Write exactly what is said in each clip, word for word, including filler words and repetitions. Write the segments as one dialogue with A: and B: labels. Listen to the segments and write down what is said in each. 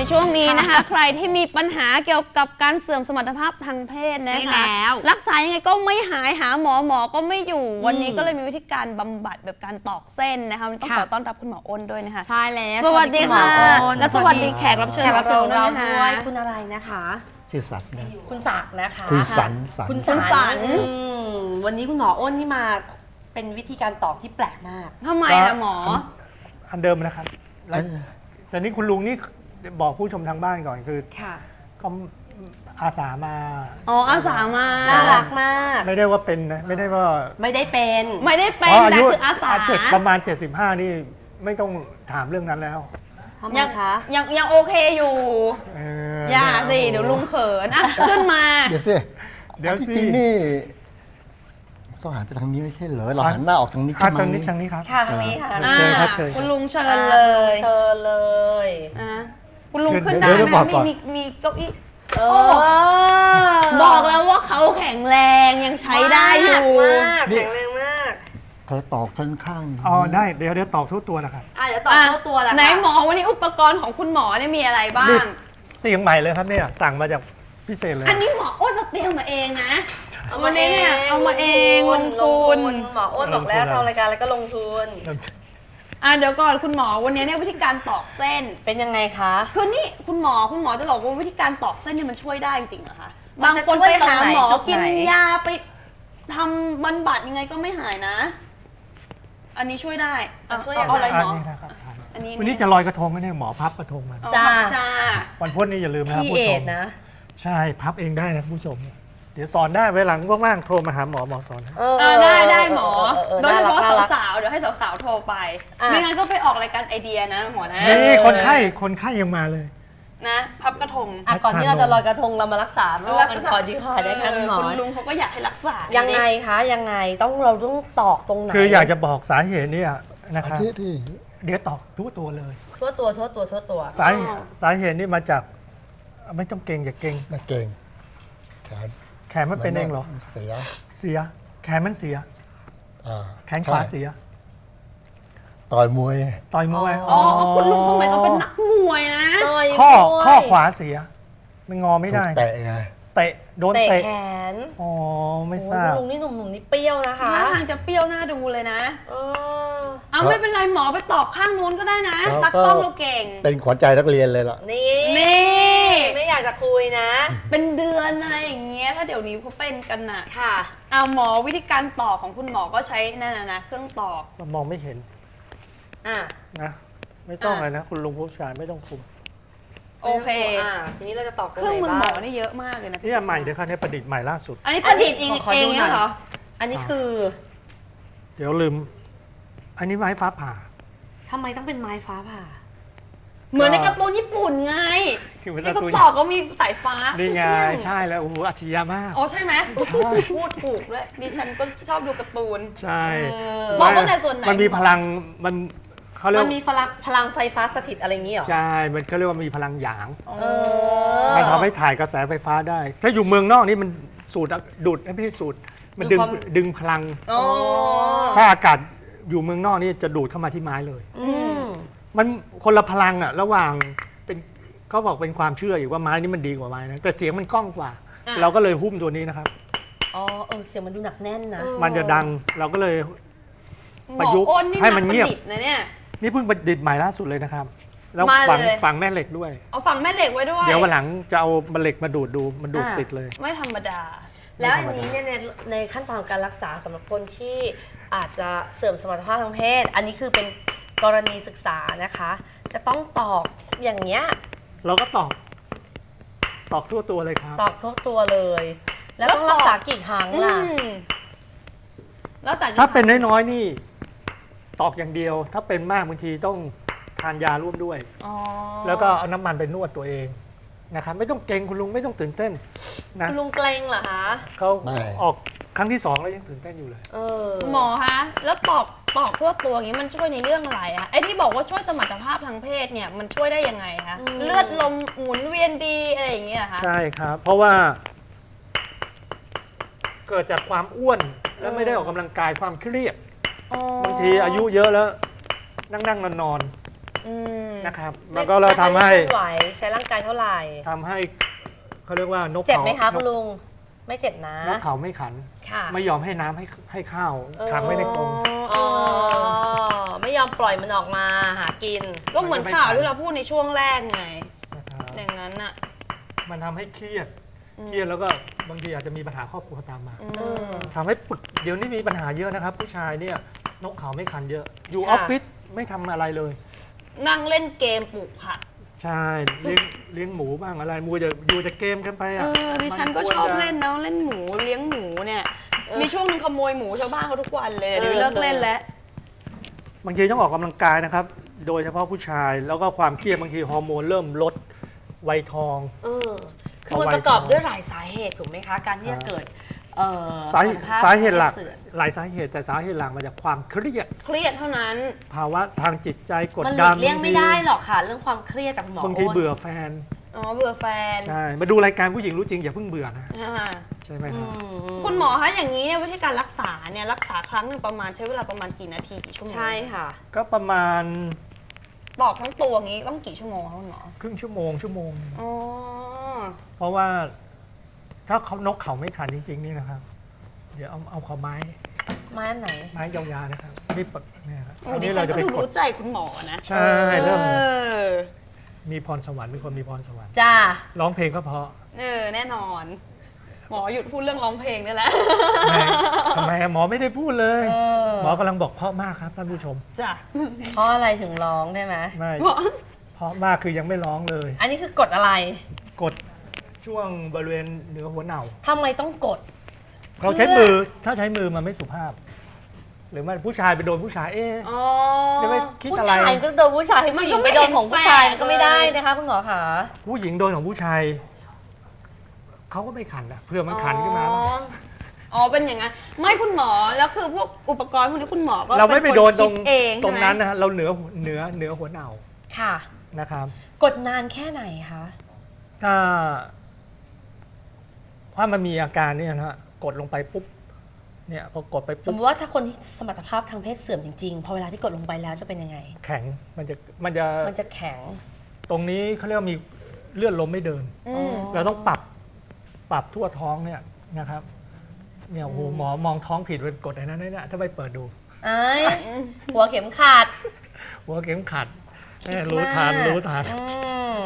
A: ช่วงนี้นะคะใครที่มีปัญหาเกี่ยวกับการเสื่อมสมรรถภาพทางเพศนะคะรักษายังไงก็ไม่หายหาหมอหมอก็ไม่อยู่วันนี้ก็เลยมีวิธีการบำบัดแบบการตอกเส้นนะคะต้องขอต้อนรับคุณหมออ้นด้วยนะคะ
B: ใช่แล้ว
A: สวัสดีค่ะและสวัสดีแขกรับเชิญของเราด้วย
B: คุณอะไรนะคะ
C: ชื่อศักดิ์นะ
B: คุณศักดิ์นะคะ
C: คุณสัน
B: คุณสันวันนี้คุณหมออ้นนี่มาเป็นวิธีการตอกที่แปลกมาก
A: ทำไมล่ะหมอ
D: อันเดิมนะครับแต่นี่คุณลุงนี่บอกผู้ชมทางบ้านก่อนคือเขาอาสามา
A: อ๋ออาสามา
B: น่ารักมาก
D: ไม่ได้ว่าเป็นนะไม่ได้ว่า
B: ไม่ได้เป็น
A: ไม่ได้เป็นแต่คืออาสา
D: ประมาณเจ็ดสิบห้านี่ไม่ต้องถามเรื่องนั้นแล้ว
A: ยังยังยังโอเคอยู่อย่าสิเดี๋ยวลุงเขินอ่ะขึ้นมา
C: เดี๋ยวสิเดี๋ยวสินี่ต้องหันไปทางนี้ไม่ใช่เหรอเราหันหน้าออกทางนี้ใช่ไหม
D: ทางนี้ทางนี้ครับ
B: ค่ะทางนี้ค่ะ
D: เชิญครับ
A: คุณลุงเชิญเลย
B: เชิญเลย
A: คุณลุงขึ้นได้ไหมมีมีมีเก้าอี้บอกแล้วว่าเขาแข็งแรงยังใช้ได้อยู่
B: แข็งแรงมาก
C: เธอตอกทั้งข้าง
D: อ๋อได้เดี๋ยวเดี๋ยวตอกทุกตัวนะครับ
B: อ่าเดี๋ยวตอกทุกตัวแล้ว
A: ไหนหมอวันนี้อุปกรณ์ของคุณหมอเนี่ยมีอะไรบ้าง
D: เตียงใหม่เลยครับเนี่ยสั่งมาจากพิเศษเลย
A: อันนี้หมออ้นเอาเตียงมาเองนะเอามาเองเอามาเองลงทุน
B: หมออ้นบอกแล้วทำรายการแล้วก็ลงทุน
A: อ่ะเดี๋ยวก่อนคุณหมอวันนี้เนี่ยวิธีการตอกเส้น
B: เป็นยังไงคะ
A: คือนี่คุณหมอคุณหมอจะบอกว่าวิธีการตอกเส้นเนี่ยมันช่วยได้จริงๆเหรอคะบางคนไปหาหมอกินยาไปทำบำบัดยังไงก็ไม่หายนะอันนี้ช่วยได้
B: ช่วย
A: อะไรหมอ
D: อันนี้วันนี้จะลอยกระทงกันเนี่ยหมอพับกระทงมา
A: จ้าจ้า
D: วันพุธนี่อย่าลืมนะผู้ชมนะใช่พับเองได้นะผู้ชมเดี๋ยวสอนได้เวลาว่างๆโทรมาหาหมอหมอสอน
A: เออได้ได้หมอโดยเฉพาะสาวๆเดี๋ยวให้สาวๆโทรไปไม่งั้นก็ไปออกรายการไอเดียนะหมอนะ
D: นี่คนไข้คนไข้ยังมาเลย
A: นะพับกระทง
B: ก่อนที่เราจะลอยกระทงเรามารักษาโรคกันก่อนดีกว่าได้ค่ะคุณหมอ
A: คุณลุงเขาก็อยากให้รักษา
B: ยังไงคะยังไงต้องเราต้องตอกตรงไหน
D: คืออยากจะบอกสาเหตุเนี่ยนะครับ
C: ที่
D: เดี๋ยวตอกทั่วตัวเลย
B: ทั่วตัวทั่วตัวทั่วตัว
D: สาสาเหตุนี่มาจากไม่ต้องเก่งอย่าเก่ง
C: ไม่เก่งแขน
D: แขนมันเป็นเองเหรอ
C: เสีย
D: เสียแขนมันเสียแขนขวาเสีย
C: ต่อยมวย
D: ต่อยมวย
A: อ๋อคุณลุงสมัยก็เป็นนักมวยนะ
D: ข้อข้อขวาเสียมันงอไม่ได้
C: เตะไง
D: เตะโดนเตะ
B: แขน
D: อ๋อไม่ทราบ
B: ลุงนี่หนุ่มๆนี่เปรี้ยวนะคะ
A: ท่าทางจะเปรี้ยวหน้าดูเลยนะเออเอาไม่เป็นไรหมอไปตอกข้างนู้นก็ได้นะตักต้องเราเก่ง
C: เป็นขวัญใจนักเรียนเลยล่ะ
B: นี่
A: นี่
B: ไม่อยากจะคุยนะ
A: เป็นเดือนอะไรอย่างเงี้ยถ้าเดี๋ยวนี้เขาเป็นกันน่ะ
B: ค่ะ
A: เอาหมอวิธีการตอกของคุณหมอก็ใช้นั่นนะเครื่องตอก
D: มองไม่เห็น
B: อ่ะ
D: นะไม่ต้องเลยนะคุณลุงผู้ชายไม่ต้องคุม
A: โอเค
B: อ่าทีนี้เราจะตอก
A: เครื่องมือหมอนี่เยอะมากเลยนะ
D: นี่ใหม่เดี๋ยวเขาเนี่ยประดิษฐ์ใหม่ล่าสุด
A: อันนี้ประดิษฐ์เองเองเหรอ
B: อันนี้คือ
D: เดี๋ยวลืมอันนี้ไม้ฟ้าผ่า
B: ทำไมต้องเป็นไม้ฟ้าผ่า
A: เหมือนในการ์ตูนญี่ปุ่นไงที่เขาตอกก็มีสายฟ้า
D: นี่ไงใช่แล้วโอ้โหอัจฉริยะมาก
A: อ๋อใช่ไหมพูดถูกด้วยดิฉันก็ชอบดูการ์ตูน
D: ใช่
A: ตอกก็ในส่วนไหน
D: มันมีพลังมัน
B: มันมีพลังพลังไฟฟ้าสถิตอะไรอย่างนี้เหรอ
D: ใช่มันเขาเรียกว่ามีพลังหยางมันทำให้ถ่ายกระแสไฟฟ้าได้ถ้าอยู่เมืองนอกนี่มันสูดดูดไม่ใช่สูดมันดึงดึงพลังถ้าอากาศอยู่เมืองนอกนี่จะดูดเข้ามาที่ไม้เลยมันคนละพลังอ่ะระหว่างเป็นเขาบอกเป็นความเชื่ออยู่ว่าไม้นี่มันดีกว่าไม้นะแต่เสียงมันก้องกว่าเราก็เลยหุ้มตัวนี้นะครับ
B: อ๋อเออเสียงมันดูหนักแน่นนะ
D: มันจะดังเราก็เลยประยุกต์ให้มันเงียบ
A: นะเนี่ย
D: นี่เพิ่งประดิษฐ์ใหม่ล่าสุดเลยนะครับแล้วฝังฝังแม่เหล็กด้วย
A: เอาฝังแม่เหล็กไว้ด้วย
D: เดี๋ยววันหลังจะเอาเหล็กมาดูดดูมันดูดติดเลย
A: ไม่ธรรมดา
B: แล้วอันนี้เนี่ยในขั้นตอนการรักษาสำหรับคนที่อาจจะเสื่อมสมรรถภาพทางเพศอันนี้คือเป็นกรณีศึกษานะคะจะต้องตอกอย่างเงี้ย
D: เราก็ตอกตอกทั่วตัวเลยครับ
B: ตอกทั่วตัวเลยแล้วต้องรักษากี่ครั้งล่ะ
A: แล้วแต่
D: ถ้าเป็นน้อยๆนี่ตอกอย่างเดียวถ้าเป็นมากบางทีต้องทานยาร่วมด้วยแล้วก็เอาน้ำมันไปนวดตัวเองนะครับไม่ต้องเกรงคุณลุงไม่ต้องตื่นเต้น
B: นะคุณลุงเกรงเหรอคะ
D: เขาออกครั้งที่สองแล้วยังตื่นเต้นอยู่เลย
A: หมอคะแล้วตอกตอกทั่วตัวอย่างนี้มันช่วยในเรื่องอะไรอะไอ้ที่บอกว่าช่วยสมรรถภาพทางเพศเนี่ยมันช่วยได้ยังไงคะเลือดลมหมุนเวียนดีอะไรอย่างเงี้ยคะ
D: ใช่ครับเพราะว่าเกิดจากความอ้วนและไม่ได้ออกกำลังกายความเครียดบางทีอายุเยอะแล้วนั่งนั่งนอนนอน
A: อืม
D: นะครับแล้
B: ไม่
D: วก็เราทำให้
B: ไม่ค่อยได้เคลื่อนไหวใช้ร่างกายเท่าไหร่
D: ทำให้เขาเรียกว่านก
B: เจ็บ
D: เขา
B: ไหมคะ
D: น
B: คุ
D: ก
B: ณลุงไม่เจ็บนะ
D: นกเขาไม่ขัน
B: ค่ะ
D: ไม่ยอมให้น้ำให้ให้ข้าว
B: เออ
D: ขังไว้ในกรง
B: อ๋อไม่ยอมปล่อยมันออกมาหากิน
A: ก็เหมือนข่าวที่เราพูดในช่วงแรกไง
D: นะครับ
A: อย่างนั้นอะ
D: มันทำให้เครียดเครียดแล้วก็บางทีอาจจะมีปัญหาครอบครัวตามมา
B: เออ
D: ทำให้ปึกเดี๋ยวนี้มีปัญหาเยอะนะครับ ผู้ชายเนี่ยนกเขาไม่ขันเยอะ อยู่อ
B: ค่ะ
D: อฟฟิศไม่ทำอะไรเลย
A: นั่งเล่นเกมปลูกผัก
D: ใช่เลี้ยงเลี้ยงหมูบ้างอะไรมูจะอยู่จะเกมกันไป
A: เอ
D: อ่ะ
A: อดิฉันก็
D: มั
A: ชอบ
D: ควรจะ
A: เล่นนะเล่นหมูเลี้ยงหมูเนี่ย
B: เออ
A: มีช่วงหนึงขโมยหมูชาวบ้านเขาทุกวันเลย
B: เออ
A: เดี๋ยวนี้เลิกเล่นแล้ว
D: บางทีต้องออกกำลังกายนะครับ โดยเฉพาะผู้ชายแล้วก็ความเครียดบางทีฮอร์โมนเริ่มลดวัยทอง
B: เออคือมันประกอบด้วยหลายสาเหตุถูกไหมคะ การที่จะเกิดเอ่อ
D: สา
B: สุขภาพ
D: สาเหตุหลัก
B: เสื่อม
D: หลายสาเหตุแต่สาเหตุหลักมาจากความเครียด
A: เครียดเท่านั้น
D: ภาวะทางจิตใจกด
B: มันหลี
D: ดัน
B: กเลี่ยงไม่ได้หรอกค่ะ เรื่องความเครียดจากคุณหมอบ
D: างที
B: อ้น
D: เบื่อแฟน
A: อ๋อเบื่อแฟน
D: ใช่มาดูรายการผู้หญิงรู้จริงอย่าเพิ่งเบื่อนะ
A: อ่า
D: ใช่ไหมค
B: อื
D: รับ
B: ม
A: คุณหมอคะอย่างนี้เนี่ยวิธีการรักษาเนี่ยรักษาครั้งหนึ่งประมาณใช้เวลาประมาณกี่นาทีกี่ชั่วโมง
B: ใช่ค่ะ
D: ก็ประมาณ
A: ปอกทั้งตัวอย่างนี้ต้องกี่ชั่วโมงคะคุณหมอ
D: ครึ่งชั่วโมงชั่วโมง
A: อ๋อ
D: เพราะว่าถ้าเขานกเขาไม่ขันจริงๆนี่นะครับ เดี๋ยวเอาเอาขอไม้
B: มาอันไหน
D: ไม้ยาวๆนะครับนี่ปดเนี่ยครับ
A: โอ้
D: อัน
A: ดิ
D: นี้
A: ฉั
D: เรา
A: น
D: จะ
A: ก็
D: ไป
A: ดู
D: กด
A: รู้ใจคุณหมอนะ
D: ใช่เริ่ม
A: เออ
D: มีพรสวรรค์มีคนมีพรสวรรค์
B: จ้า
D: ร้องเพลงก็เพราะ
A: เออแน่นอน หมอหยุดพูดเรื่องร้องเพลงได้แล้ว
D: ไม่ทำไมอะหมอไม่ได้พูดเลย
B: เออ
D: หมอกำลังบอกเพราะมากครับท่านผู้ชม
A: จ้ะ
B: เพราะอะไรถึงร้องได้ไหม
D: ไม่
A: หมอ
D: เพราะมากคือยังไม่ร้องเลย
B: อันนี้คือกดอะไร
D: กดช่วงบริเวณเหนือหัวเหน่า
B: ทำไมต้องกด
D: เราใช้มือถ้าใช้มือมันไม่สุภาพ หรือมันผู้ชายไปโดนผู้ชายเอ๊ะ
B: อ๋อ
D: เดี๋ยวไปคิด
B: ผู้
D: อะไร
B: ชายก็โดนผู้ชายผู้หญิงไปโดนของผู้ชายมันก็ไม่ได้นะคะคุณหมอคะ
D: ผู้หญิงโดนของผู้ชายเขาก็ไม่ขันนะเพื่อมันขันขึ้นมา
A: อ๋ออ๋อเป็นอย่างนั้นไม่คุณหมอแล้วคือพวกอุปกรณ์พวกนี้คุณหมอก็
D: เราไม่ไปโดนตรง
A: เป็คคิเอง
D: ตรงนั้น
A: ใช่ไหม
D: นะฮะเราเหนือเหนือเหนือหัวเหน่า
B: ค่ะ
D: นะครับ
B: กดนานแค่ไหนคะ
D: ถ้าถ้ามันมีอาการเนี่ยนะฮะกดลงไปปุ๊บเนี่ยพอกดไป
B: สม
D: ปุ๊
B: ม
D: บ
B: ติว่าถ้าคนที่สมรรถภาพทางเพศเสื่อมจริงๆ พอเวลาที่กดลงไปแล้วจะเป็นยังไง
D: แข็งมันจะมันจะ
B: มันจะแข็ง
D: ตรงนี้เขาเรียกว่ามีเลือดลมไม่เดิน
A: อืม
D: เราต้องปรับปรับทั่วท้องเนี่ยนะครับเนี่ยโอ้โหหมอมองท้องผิดไปกดไอ้นั้นเนี่ยถ้าไปเปิดดู
B: ไอ้หัวเข็มขัด
D: หัวเข็มขัดแม่รู้ทานรู้ทาน
B: อืม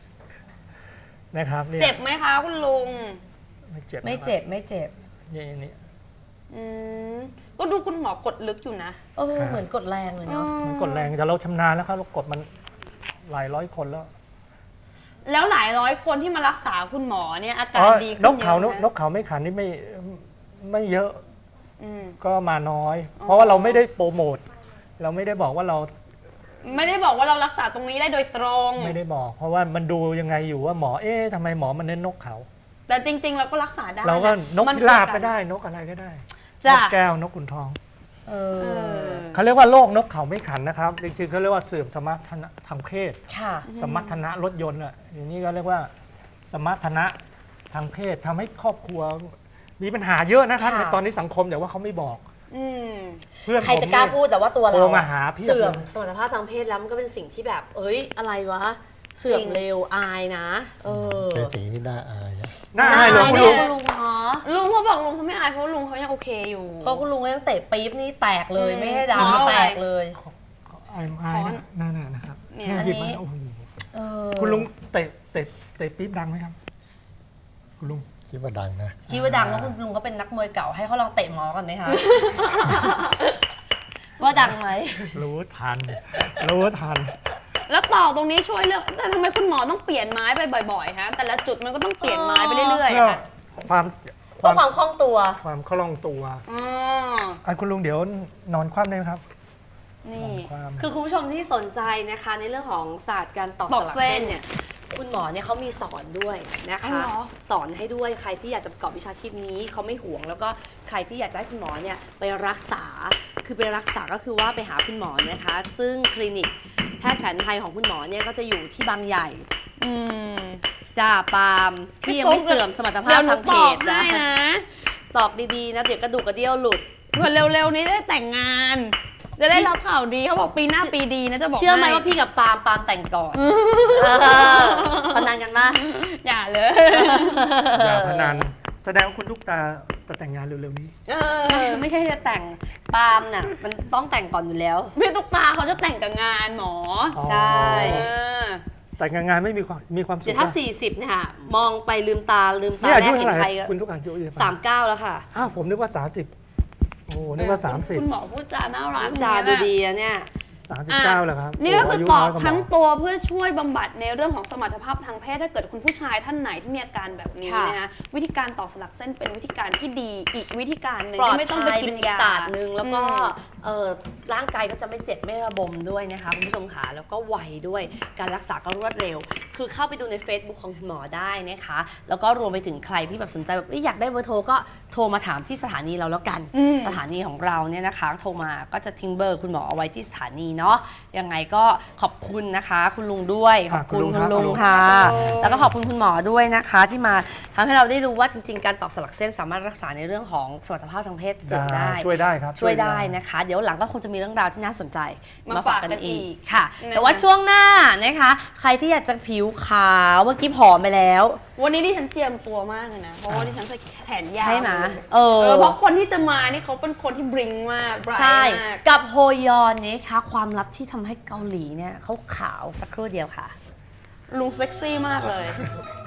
D: นะครับเนี่ย
A: เจ็บไหมคะคุณลุง
D: ไม่เจ็บ
B: ไม่เจ็บไม่เจ็บ
D: นี่นี่
A: อืมก็ดูคุณหมอกดลึกอยู่นะ
B: เออเหมือนกดแรงเลยเนาะ
D: มันกดแรงแต่เราชำนาญแล้วครับเรากดมันหลายร้อยคนแล้ว
A: แล้วหลายร้อยคนที่มารักษาคุณหมอเนี่ยอาการ
D: อ๋อ
A: ดีขึ้น
D: นกเขา
A: เย
D: น
A: อะ
D: ก
A: ไหม
D: นกเขาไม่ขันนี่ไม่ไม่เยอะ
A: อืม
D: ก็มาน้อย
A: อ๋อ
D: เพราะว่าเราไม่ได้โปรโมทเราไม่ได้บอกว่าเรา
A: ไม่ได้บอกว่าเรารักษาตรงนี้ได้โดยตรง
D: ไม่ได้บอก เพราะว่ามันดูยังไงอยู่ว่าหมอเอ๊ะทำไมหมอมันเน้นนกเขา
A: แต่จริง ๆ เราก็รักษาได้
D: เราก็
A: ะ
D: นก
A: มัน
D: พิราบ
A: เน
D: ก็ได้นกอะไรก็ได้
A: จ้ะ
D: นกแก้วนกขุนทอง
B: เอ
A: เอ
B: อ
A: อ
D: เขาเรียกว่าโรคนกเขาไม่ขันนะครับจริงๆเขาเรียกว่าเสื่อมสมรรถนะทางเพศ
B: ค่ะ
D: สมรรถนะรถยนต์อ่ะอย่างนี้ก็เรียกว่าสมรรถนะทางเพศทำให้ครอบครัวมีปัญหาเยอะนะครับ
B: ค่ะ
D: ในตอนนี้สังคมแต่ว่าเขาไม่บอก
A: อืม
D: เพื่อน
B: ใคร
D: ผม
B: จะกล้า
D: เนี่ย
B: พูดแต่ว่าตัวเรา
D: โทรมาหาเพียบเลย
B: เสื่อมสมรรถภาพทางเพศแล้วมันก็เป็นสิ่งที่แบบ เอ้ยอะไรวะ เสื่อมเร็วอายนะ เออ
C: เป็นสิ่งที่น่าอายนะ
D: น่าอายเหรอคุณ
B: เนี่
D: ลุ
B: ย
D: ง
B: คุณลุงเนาะ
A: ลุงเขาบอกลุงเขาไม่อายเพราะลุงเขายังโอเคอยู่
B: เพราะคุณลุงยังเตะปี๊บนี่แตกเลย
A: อืม
B: ไม่ให้
A: อ๋อ
B: ดำแตกเลย
D: อายอายนะน่าๆนะครับ
A: เนี่ย
D: แค่
B: อัน
D: หยิบ
B: นี้
D: มาโอ้โห
B: เออ
D: คุณลุงเตะเตะเตะปี๊บดังไหมครับ คุณลุง
C: คิดว่าดังนะ
B: คิดว่าดังว่าคุณลุงก็เป็นนักมวยเก่าให้เขาลองเตะหมอกันไหมคะ ว่าดังไหม
D: รู้ทัน รู้ทัน
A: แล้วต่อตรงนี้ช่วยเรื่องแต่ทำไมคุณหมอต้องเปลี่ยนไม้ไปบ่อยๆฮะแต่ละจุดมันก็ต้องเปลี่ยนไม้ไปเรื่อย
D: เพื่อ
A: ๆค่ะ
D: ความ
B: เพื่อความคล่องตัว
D: ความคล่องตัว
A: อ๋อ
D: อ่ะคุณลุงเดี๋ยวนอนคว่ำได้ไหมครับ
A: นี่
D: นอนคว่ำ
B: คือคุณผู้ชมที่สนใจนะคะในเรื่องของศาสตร์การตอก
A: ต
B: ส
A: อก
B: ลัก
A: เส้
B: เส้
A: น
B: นเนี่ยคุณหมอเนี่ยเขามีสอนด้วยนะ
A: อ๋อ
B: คะ
A: เหรอ
B: สอนให้ด้วยใครที่อยากจะประกอบวิชาชีพนี้เขาไม่ห่วง แล้วก็ใครที่อยากจะให้คุณหมอเนี่ยไปรักษาคือไปรักษาก็คือว่าไปหาคุณหมอนะคะ ซึ่งคลินิกแพทย์แผนไทยของคุณหมอเนี่ยก็จะอยู่ที่บางใหญ่
A: อืม
B: จ้าปาล์มพี่ยังไม่เสื่อมสมรรถภา
A: เดี๋
B: พ
A: ยวหนู
B: ทางเพ
A: ตอบ
B: ศนะ
A: ให้นะ
B: ตอกดีๆนะเดี๋ยวกระดูกกระเดี่ยวหลุด
A: เพื่อเร็วๆนี้ได้แต่งงานจะได้รับข่าวดีเขาบอกปีหน้าปีดีนะจะบอก
B: เชื่อไหม
A: ให้
B: ว่าพี่กับปาล์มปาล์มแต่งก่อนพนันกันปะ
A: อย่าเลย
D: อย่าพนันแสดงว่าคุณลูกตาจะแต่งงานเร็วๆนี้
B: เออไม่ใช่จะแต่งปาล์มน่ะมันต้องแต่งก่อนอยู่แล้ว
A: พี่ตุ๊กตาเขาจะแต่งกับงานหมอ
D: อ๋อ
B: ใช่
A: เออ
D: แต่งงานไม่มีความมีความสุข
B: เดี๋ยวถ้า สี่สิบเนี่ยค่ะมองไปลืมตาลืมตา
D: นี่อา
B: แร
D: ยุ
B: ก
D: เท่า
B: เห็
D: ไห
B: น
D: ร่
B: ใครก็
D: คุณทุกอายุเยอะ
B: สามเก้าแล้วค่ะ
D: อ้าวผมนึกว่าสามสิบโอ้นึกว่าสามสิบ
A: คุณหมอพูดจาน่ารัก
B: จาดูดีอะเนี่ย
D: สามสิบเก้าแล้วครับ
A: นี่ก็คือ
D: โยุ
A: ตอบ
D: น้ยกว่าหม
A: ทั้งตัวเพื่อช่วยบำบัดในเรื่องของสมรรถภาพทางเพศถ้าเกิดคุณผู้ชายท่านไหนที่มีอาการแบบนี้
B: ค่ะ
A: นะคะวิธีการตอกสลักเส้นเป็นวิธีการที่ดีอีกวิธีการหนึ่ง
B: ปลอด
A: ที่ไม่ต้องไป
B: ภัย
A: กิ
B: เป็น
A: น
B: อีก
A: ยา
B: ศาสตร์หนึ่งแล้วก็
A: อืม
B: เออร่างกายก็จะไม่เจ็บไม่ระบมด้วยนะคะคุณผู้ชมขาแล้วก็ไวด้วยการรักษาก็รวดเร็ว คือเข้าไปดูใน Facebook ของคุณหมอได้นะคะแล้วก็รวมไปถึงใครที่แบบสนใจแบบอยากได้เบอร์โทรก็โทรมาถามที่สถานีเราแล้วกัน
A: อืม
B: สถานีของเราเนี่ยนะคะ โทรมาก็จะทิ้งเบอร์คุณหมอเอาไว้ที่สถานีเนาะยังไงก็ขอบคุณนะคะ คุณลุงด้วยขอบคุณคุณลุงค่ะ แล้วก็ขอบคุณคุณหมอด้วยนะคะที่มาทำให้เราได้รู้ว่าจริงๆ การตอกสลักเส้นสามารถรักษาในเรื่องของสมรรถภาพทางเพศเสริมได้
D: ช่วยได้ครับ
B: ช่วยได้นะคะ เดี๋ยวหลังก็คงจะมีเรื่องราวที่น่าสนใจ
A: มาฝากกันอีก
B: ค่ะ
A: นะคะ
B: แต่ว่าช่วงหน้านะคะ ใครที่อยากจะผิวขาวเมื่อกี้ผอมไปแล้ว
A: วันนี้ดิฉันเจียมตัวมากเลยนะ เพราะว่าดิฉันใส่แขนยาว
B: ใช่ไหม
A: เลย
B: เออ
A: เออเพราะคนที่จะมานี่เขาเป็นคนที่บริงมาก bright
B: ใช่
A: มาก
B: กับโฮยอนนะคะความลับที่ทำให้เกาหลีเนี่ยเขาขาวสักครู่เดียวค่ะ
A: ลุงเซ็กซี่มากเลย
B: ค